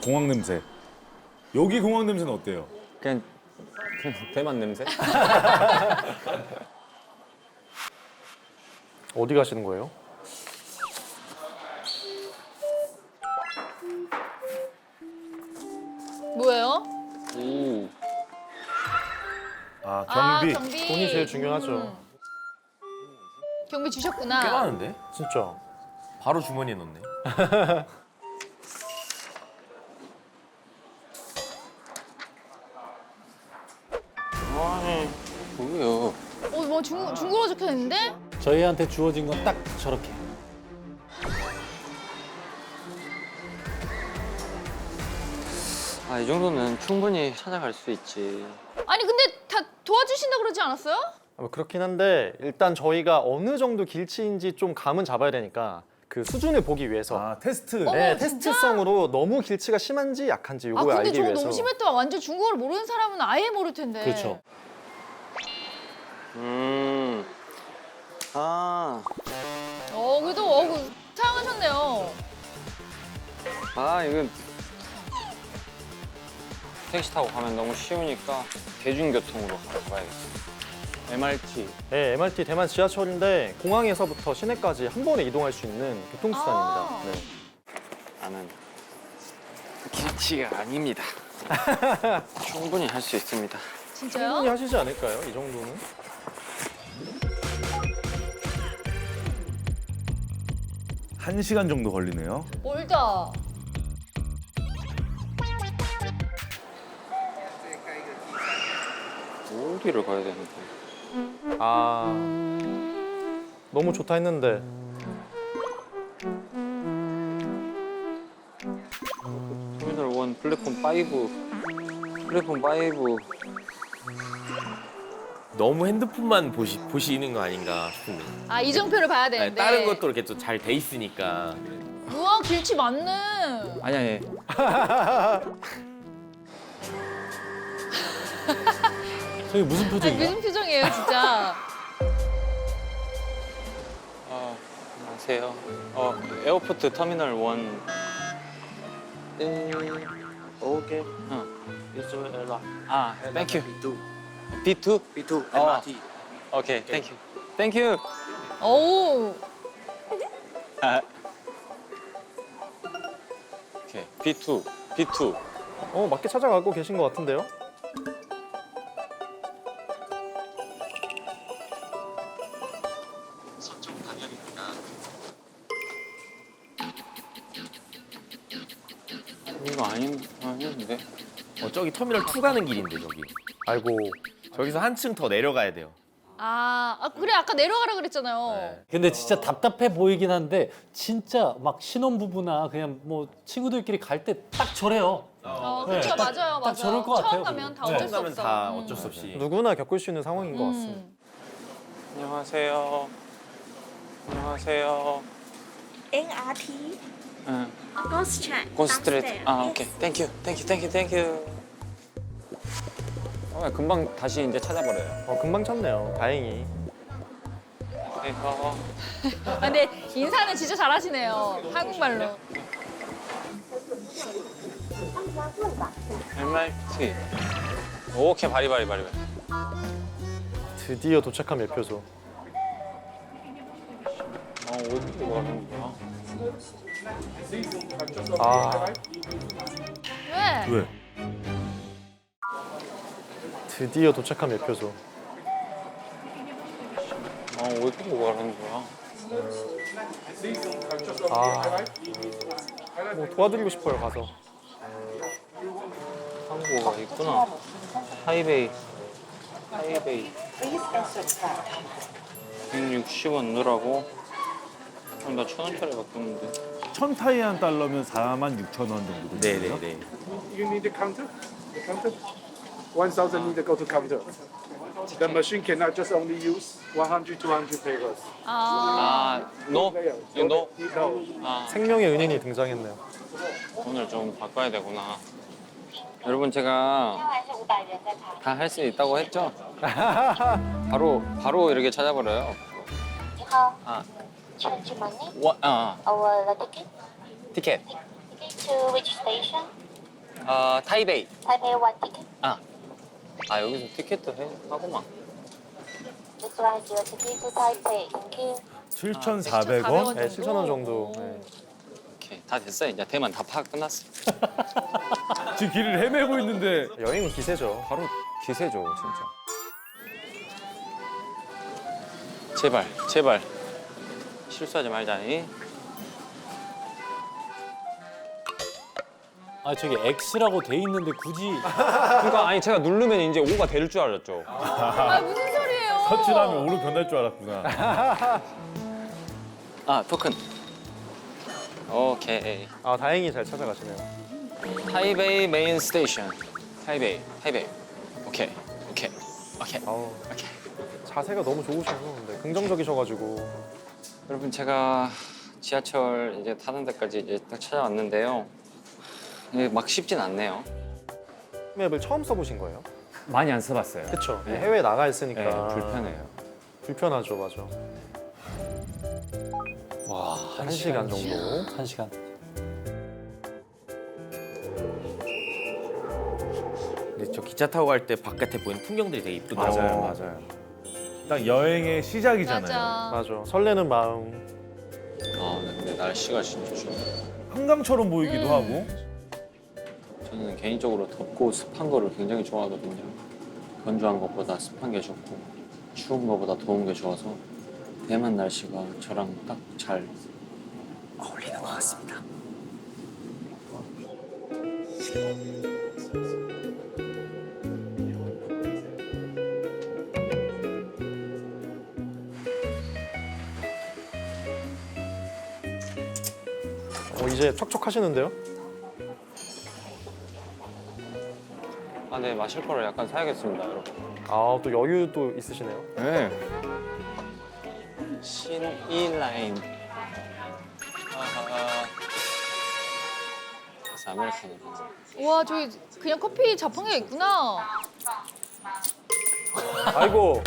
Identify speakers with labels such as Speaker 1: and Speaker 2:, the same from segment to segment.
Speaker 1: 공항 냄새. 여기 공항 냄새는 어때요?
Speaker 2: 그냥 대만 냄새?
Speaker 3: 어디 가시는 거예요?
Speaker 4: 뭐예요?
Speaker 2: 오.
Speaker 1: 아,
Speaker 4: 아,
Speaker 1: 경비.
Speaker 4: 경비.
Speaker 3: 돈이 제일 중요하죠.
Speaker 4: 경비 주셨구나.
Speaker 5: 꽤 많은데?
Speaker 3: 진짜.
Speaker 5: 바로 주머니에 넣네.
Speaker 2: 아니, 뭐예요?
Speaker 4: 뭐 중국어로 적혀 있는데?
Speaker 6: 저희한테 주어진 건 딱 저렇게.
Speaker 2: 아, 이 정도는 충분히 찾아갈 수 있지.
Speaker 4: 아니 근데 다 도와주신다 그러지 않았어요?
Speaker 3: 그렇긴 한데 일단 저희가 어느 정도 길치인지 좀 감은 잡아야 되니까 그 수준을 보기 위해서
Speaker 1: 아, 테스트.
Speaker 4: 어.
Speaker 3: 네,
Speaker 4: 진짜?
Speaker 3: 테스트성으로 너무 길치가 심한지 약한지
Speaker 4: 아
Speaker 3: 요거
Speaker 4: 근데
Speaker 3: 알기
Speaker 4: 저거
Speaker 3: 위해서.
Speaker 4: 너무 심했다. 완전 중국어를 모르는 사람은 아예 모를 텐데.
Speaker 6: 그렇죠.
Speaker 2: 아,
Speaker 4: 그래도 사용하셨네요.
Speaker 2: 이건 택시 타고 가면 너무 쉬우니까 대중교통으로 가야겠어. MRT.
Speaker 3: 네, MRT 대만 지하철인데 공항에서부터 시내까지 한 번에 이동할 수 있는 교통수단입니다.
Speaker 4: 아.
Speaker 3: 네.
Speaker 2: 나는 길치가 아닙니다. 충분히 할 수 있습니다.
Speaker 4: 진짜요?
Speaker 3: 충분히 하시지 않을까요? 이 정도는?
Speaker 1: 한 시간 정도 걸리네요.
Speaker 4: 멀다.
Speaker 2: 어디를 가야 되는데?
Speaker 3: 아, 너무 좋다 했는데.
Speaker 2: 터미널 1 플랫폼 5. 플랫폼 5.
Speaker 5: 너무 핸드폰만 보시는 거 아닌가 싶은데.
Speaker 4: 아 이정표를 봐야
Speaker 5: 아니,
Speaker 4: 되는데.
Speaker 5: 다른 것도 이렇게 또 잘 돼 있으니까.
Speaker 4: 우와 길치 많네.
Speaker 2: 아니.
Speaker 6: 저희 무슨
Speaker 4: 아니,
Speaker 6: 표정이야?
Speaker 4: 무슨 표정이에요 진짜.
Speaker 2: 안녕하세요. 에어포트 터미널 1.
Speaker 7: Okay.
Speaker 2: This
Speaker 7: way,
Speaker 2: thank you. B2?
Speaker 7: B2
Speaker 2: Oh.
Speaker 7: MRT.
Speaker 2: 오케이, thank you. Thank you.
Speaker 4: 오.
Speaker 2: 오케이, B2. B2.
Speaker 3: 맞게 찾아가고 계신 것 같은데요?
Speaker 2: 이거 아닌데?
Speaker 5: 저기 터미널 2 가는 길인데 저기.
Speaker 3: 아이고.
Speaker 5: 저기서 한층 더 내려가야 돼요.
Speaker 4: 그래 아까 내려가라 그랬잖아요.
Speaker 5: 네.
Speaker 6: 근데 진짜 답답해 보이긴 한데 진짜 막 신혼부부나 그냥 뭐 친구들끼리 갈 때 딱 저래요.
Speaker 4: 그렇죠
Speaker 6: 네,
Speaker 4: 맞아요.
Speaker 6: 딱 저럴 것 같아요,
Speaker 4: 처음 가면 다
Speaker 6: 그거.
Speaker 4: 어쩔
Speaker 5: 처음
Speaker 4: 수
Speaker 5: 가면
Speaker 4: 없어.
Speaker 5: 다 어쩔 수 없이.
Speaker 3: 누구나 겪을 수 있는 상황인 것 같습니다.
Speaker 2: 안녕하세요. 안녕하세요.
Speaker 8: MRT
Speaker 2: 응.
Speaker 8: Ghost Train
Speaker 2: 고스트레이트.
Speaker 8: downstairs.
Speaker 2: 오케이. 땡큐. 금방 다시 이제 찾아버려요.
Speaker 3: 금방 찾네요. 다행히.
Speaker 4: 근데 인사는 진짜 잘하시네요. 한국말로.
Speaker 2: MRT. 오케이, 바리바리.
Speaker 3: 드디어 도착한 매표소.
Speaker 2: 어디로 가는 거야?
Speaker 4: 왜?
Speaker 1: 왜?
Speaker 3: 드디어 도착한 매표소.
Speaker 2: 어디로 가는 거야?
Speaker 3: 뭐 도와드리고 싶어요, 가서.
Speaker 2: 한국어가 있구나. 하이베이. 160원 넣으라고? 나 1,000원짜리 바뀌었는데.
Speaker 1: 1,000타이완 달러면 46,000원 정도 되거든요.
Speaker 5: 네네네.
Speaker 7: You need the counter? The counter? 1,000 need to go to counter. The machine cannot just only use 100, 200 papers.
Speaker 2: No? You know?
Speaker 7: No.
Speaker 3: 생명의 은인이 등장했네요.
Speaker 2: 돈을 좀 바꿔야 되구나. 여러분, 제가 다 할 수 있다고 했죠? 바로 이렇게 찾아버려요.
Speaker 8: 你好
Speaker 2: 아,
Speaker 8: ，Change money.
Speaker 2: 와,
Speaker 8: Our ticket.
Speaker 2: 티켓.
Speaker 8: Ticket to which station?
Speaker 2: 타이베이.
Speaker 8: Taipei one ticket.
Speaker 2: 아 여기서 티켓도 하고만.
Speaker 8: This one is your ticket to Taipei. Thank you.
Speaker 1: 7,400원?
Speaker 3: 네, 7,000원 정도. 네.
Speaker 2: 오케이 다 됐어요. 이제 대만 다 파악 끝났어.
Speaker 1: 지금 길을 헤매고 있는데
Speaker 3: 여행은 기세죠.
Speaker 2: 바로 기세죠 진짜. 제발 실수하지 말자니.
Speaker 6: 아 저기 X라고 돼 있는데 굳이
Speaker 2: 그러니까 아니 제가 누르면 이제 5가 될 줄 알았죠.
Speaker 4: 아 무슨 소리예요?
Speaker 1: 서치하면 오로 변할 줄 알았구나.
Speaker 2: 아 토큰. 오케이.
Speaker 3: 아 다행히 잘 찾아가시네요.
Speaker 2: 타이베이 메인 스테이션. 타이베이. 오케이.
Speaker 3: 아우, 자세가 너무 좋으셔서 네, 긍정적이셔가지고.
Speaker 2: 여러분 제가 지하철 이제 타는 데까지 이제 딱 찾아왔는데요. 이게 막 쉽진 않네요.
Speaker 3: 맵을 처음 써보신 거예요?
Speaker 2: 많이 안 써봤어요.
Speaker 3: 그쵸.
Speaker 2: 네.
Speaker 3: 해외에 나가 있으니까.
Speaker 2: 네, 불편해요.
Speaker 3: 불편하죠, 맞아.
Speaker 6: 와
Speaker 3: 1시간 정도.
Speaker 6: 1시간.
Speaker 5: 근데 저 기차 타고 갈 때 바깥에 보이는 풍경들이 되게 이쁘더라고요.
Speaker 1: 맞아요. 딱 여행의 시작이잖아요.
Speaker 4: 맞아.
Speaker 3: 맞아. 설레는 마음.
Speaker 2: 아 근데 날씨가 진짜 좋네.
Speaker 1: 한강처럼 보이기도 하고.
Speaker 2: 저는 개인적으로 덥고 습한 거를 굉장히 좋아하거든요. 건조한 것보다 습한 게 좋고 추운 것보다 더운 게 좋아서 대만 날씨가 저랑 딱 잘 어울리는 것 같습니다.
Speaker 3: 이제 촉촉하시는데요?
Speaker 2: 아, 네 마실 거를 약간 사야겠습니다, 여러분.
Speaker 3: 아, 또 여유도 있으시네요.
Speaker 2: 네. 신이라인. 아하. 그래서 아메리카노.
Speaker 4: 와 저기 그냥 커피 자판기가 있구나.
Speaker 3: 아이고.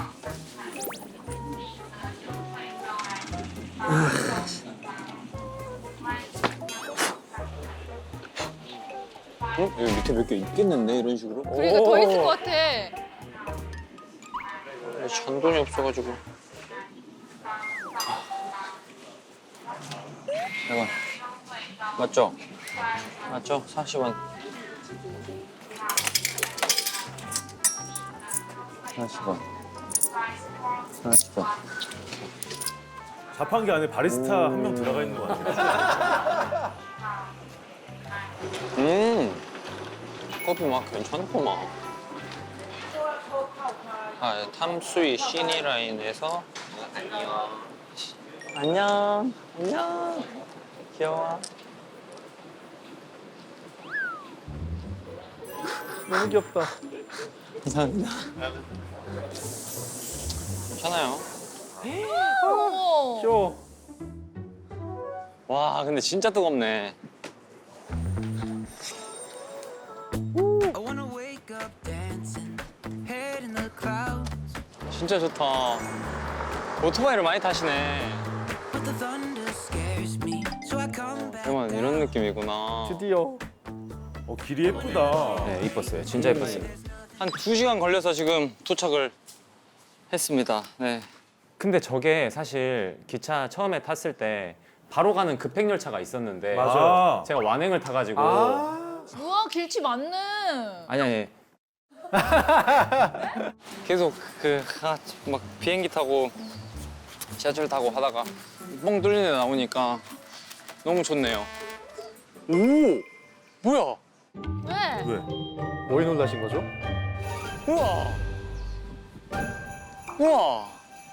Speaker 2: 여기 밑에 몇 개 있겠는데 이런 식으로?
Speaker 4: 그러니까 더 있을 것 같아.
Speaker 2: 잔돈이 없어가지고. 대박. 맞죠? 맞죠? 40원. 40원. 40원.
Speaker 1: 자판기 안에 바리스타 한 명 들어가 있는 거 같아요.
Speaker 2: 커피 맛 괜찮구만. 아, 탐수이 시니라인에서 안녕. 안녕. 귀여워.
Speaker 3: 너무 귀엽다.
Speaker 2: 감사합니다. 괜찮아요.
Speaker 4: 어머.
Speaker 3: 귀여워.
Speaker 2: 와, 근데 진짜 뜨겁네. 진짜 좋다. 오토바이를 많이 타시네. 대만 이런 느낌이구나.
Speaker 3: 드디어.
Speaker 1: 길이 예쁘다.
Speaker 2: 네, 이뻤어요. 진짜 이뻤어요. 한 2시간 걸려서 지금 도착을 했습니다. 네. 근데 저게 사실 기차 처음에 탔을 때 바로 가는 급행열차가 있었는데
Speaker 1: 맞아요.
Speaker 2: 제가 완행을 타가지고
Speaker 4: 우와 길치 많네.
Speaker 2: 아니 계속 막 비행기 타고 지하철 타고 하다가 뻥 뚫린 데 나오니까 너무 좋네요. 오! 뭐야?
Speaker 4: 왜?
Speaker 1: 왜?
Speaker 3: 뭐에 놀라신 거죠?
Speaker 2: 우와! 우와!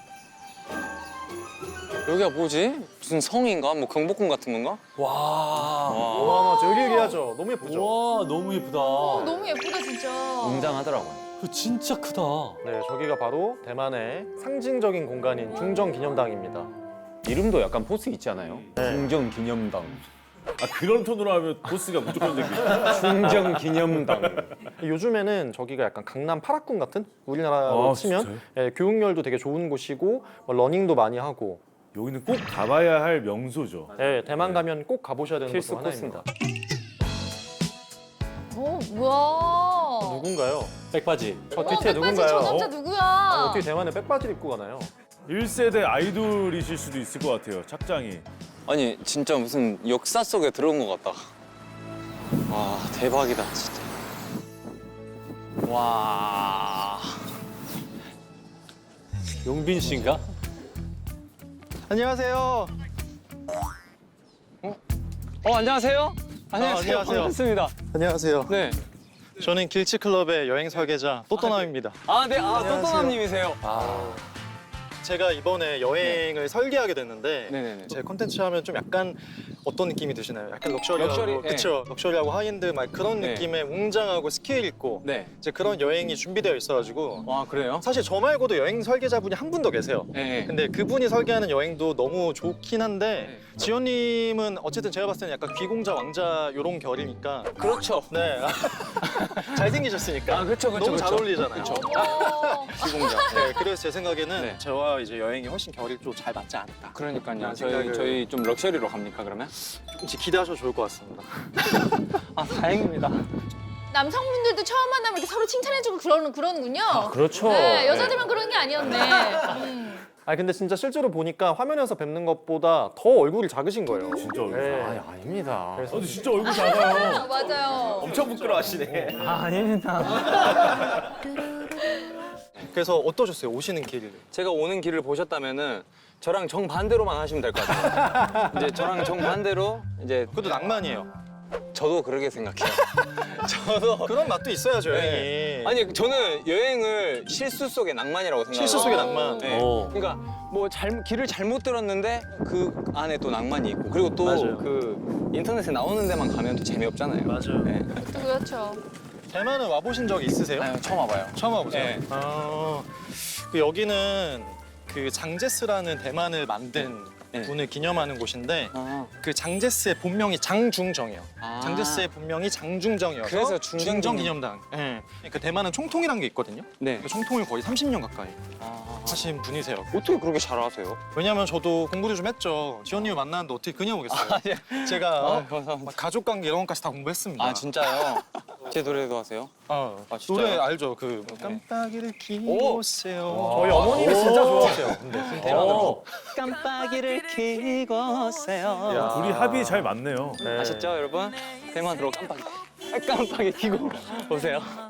Speaker 2: 여기가 뭐지? 무슨 성인가? 뭐 경복궁 같은 건가?
Speaker 6: 와.
Speaker 2: 와.
Speaker 3: 맞아. 여기여기하죠. 너무 예쁘죠?
Speaker 6: 와 너무 예쁘다.
Speaker 4: 너무 예쁘다 진짜.
Speaker 2: 웅장하더라고요.
Speaker 6: 이거 진짜 크다.
Speaker 3: 네, 저기가 바로 대만의 상징적인 공간인 중정기념당입니다.
Speaker 2: 이름도 약간 포스 있지 않아요?
Speaker 3: 네.
Speaker 2: 중정기념당.
Speaker 1: 아 그런 톤으로 하면 보스가 무조건 생기죠.
Speaker 2: 중정기념당.
Speaker 3: 요즘에는 저기가 약간 강남 파라군 같은 우리나라로
Speaker 1: 아,
Speaker 3: 치면
Speaker 1: 진짜요?
Speaker 3: 예, 교육열도 되게 좋은 곳이고 뭐 러닝도 많이 하고
Speaker 1: 여기는 꼭 가봐야 할 명소죠.
Speaker 3: 예, 대만 가면 꼭 가보셔야 되는 곳
Speaker 2: 필수
Speaker 3: 중 하나입니다.
Speaker 4: 뭐야?
Speaker 3: 누군가요?
Speaker 6: 백바지.
Speaker 3: 저
Speaker 4: 어머,
Speaker 3: 뒤에
Speaker 4: 백바지
Speaker 3: 누군가요?
Speaker 4: 저 남자 누구야?
Speaker 3: 어떻게 대만에 백바지를 입고 가나요?
Speaker 1: 1세대 아이돌이실 수도 있을 것 같아요. 착장이.
Speaker 2: 아니 진짜 무슨 역사 속에 들어온 것 같다. 와 대박이다 진짜. 와.
Speaker 6: 용빈 씨인가?
Speaker 3: 안녕하세요.
Speaker 2: 안녕하세요.
Speaker 3: 안녕하세요.
Speaker 2: 반갑습니다.
Speaker 3: 안녕하세요.
Speaker 2: 네.
Speaker 3: 저는 길치클럽의 여행 설계자 또또남입니다.
Speaker 2: 네. 또또남님이세요.
Speaker 3: 제가 이번에 여행을 설계하게 됐는데
Speaker 2: 네네네.
Speaker 3: 제 콘텐츠 하면 좀 약간 어떤 느낌이 드시나요? 약간 럭셔리하고
Speaker 2: 럭셔리,
Speaker 3: 그쵸? 럭셔리하고 하이엔드 막 그런
Speaker 2: 네.
Speaker 3: 느낌의 웅장하고 스케일 있고
Speaker 2: 네.
Speaker 3: 이제 그런 여행이 준비되어 있어가지고
Speaker 2: 와 그래요?
Speaker 3: 사실 저 말고도 여행 설계자분이 한 분 더 계세요.
Speaker 2: 네.
Speaker 3: 근데 그분이 설계하는 여행도 너무 좋긴 한데 지원님은 어쨌든 제가 봤을 때는 약간 귀공자 왕자 요런 결이니까
Speaker 2: 그렇죠.
Speaker 3: 네 잘생기셨으니까
Speaker 2: 그렇죠.
Speaker 3: 너무 잘 어울리잖아요.
Speaker 4: 어머.
Speaker 2: 기공자.
Speaker 3: 네, 그래서 제 생각에는
Speaker 2: 네.
Speaker 3: 저와 이제 여행이 훨씬 결이 좀 잘 맞지 않을까.
Speaker 2: 그러니까요.
Speaker 3: 생각을-
Speaker 2: 저희 좀 럭셔리로 갑니까 그러면?
Speaker 3: 조금씩 기대하셔도 좋을 것 같습니다.
Speaker 2: 다행입니다.
Speaker 4: 남성분들도 처음 만나면 이렇게 서로 칭찬해주고 그러는군요.
Speaker 3: 그렇죠.
Speaker 4: 네, 여자들만 그런 게 아니었네.
Speaker 3: 아 근데 진짜 실제로 보니까 화면에서 뵙는 것보다 더 얼굴이 작으신 거예요.
Speaker 1: 진짜 얼굴.
Speaker 3: 네.
Speaker 5: 아닙니다.
Speaker 1: 근데 진짜 얼굴 작아요.
Speaker 4: 맞아요.
Speaker 5: 엄청 부끄러워하시네.
Speaker 2: 아닙니다.
Speaker 3: 그래서 어떠셨어요? 오시는 길.
Speaker 2: 제가 오는 길을 보셨다면은 저랑 정반대로만 하시면 될 것 같아요. 이제 저랑 정반대로 이제
Speaker 3: 그것도 낭만이에요.
Speaker 2: 저도 그렇게 생각해요. 저도
Speaker 3: 그런 맛도 있어야죠, 여행이.
Speaker 2: 네. 아니 저는 여행을 실수 속의 낭만이라고 생각해요.
Speaker 3: 실수 속의 낭만.
Speaker 2: 네. 그러니까 뭐 길을 잘못 들었는데 그 안에 또 낭만이 있고 그리고 또
Speaker 3: 맞아요.
Speaker 2: 그 인터넷에 나오는 데만 가면 또 재미없잖아요.
Speaker 3: 맞아요.
Speaker 2: 네.
Speaker 4: 그렇죠.
Speaker 3: 대만은 와보신 적 있으세요?
Speaker 2: 아유, 처음 와봐요.
Speaker 3: 처음 와보세요?
Speaker 2: 네.
Speaker 3: 그 여기는 그 장제스라는 대만을 만든
Speaker 2: 네.
Speaker 3: 분을 기념하는 곳인데
Speaker 2: 아,
Speaker 3: 그 장제스의 본명이 장중정이에요.
Speaker 2: 아.
Speaker 3: 장제스의 본명이 장중정이어서
Speaker 2: 그래서 중정
Speaker 3: 기념당. 네. 그 대만은 총통이라는 게 있거든요.
Speaker 2: 네.
Speaker 3: 그 총통을 거의 30년 가까이
Speaker 2: 아.
Speaker 3: 하신 분이세요.
Speaker 2: 어떻게 그렇게 잘 아세요?
Speaker 3: 왜냐면 저도 공부를 좀 했죠. 지원님을 만났는데 어떻게 그냥 오겠어요. 제가
Speaker 2: 감사합니다.
Speaker 3: 막 가족관계 이런 것까지 다 공부했습니다.
Speaker 2: 아 진짜요? 제 노래도 하세요?
Speaker 3: 아,
Speaker 2: 진짜요?
Speaker 3: 노래 알죠? 그
Speaker 2: 네.
Speaker 3: 깜빡이를 키우세요.
Speaker 6: 저희 어머님이 진짜 좋아하세요. 근데
Speaker 2: 대만어로. 깜빡이를 켜세요.
Speaker 1: 둘이 합이 잘 맞네요.
Speaker 2: 아셨죠 여러분? 대만으로 깜빡이 켜고 오세요.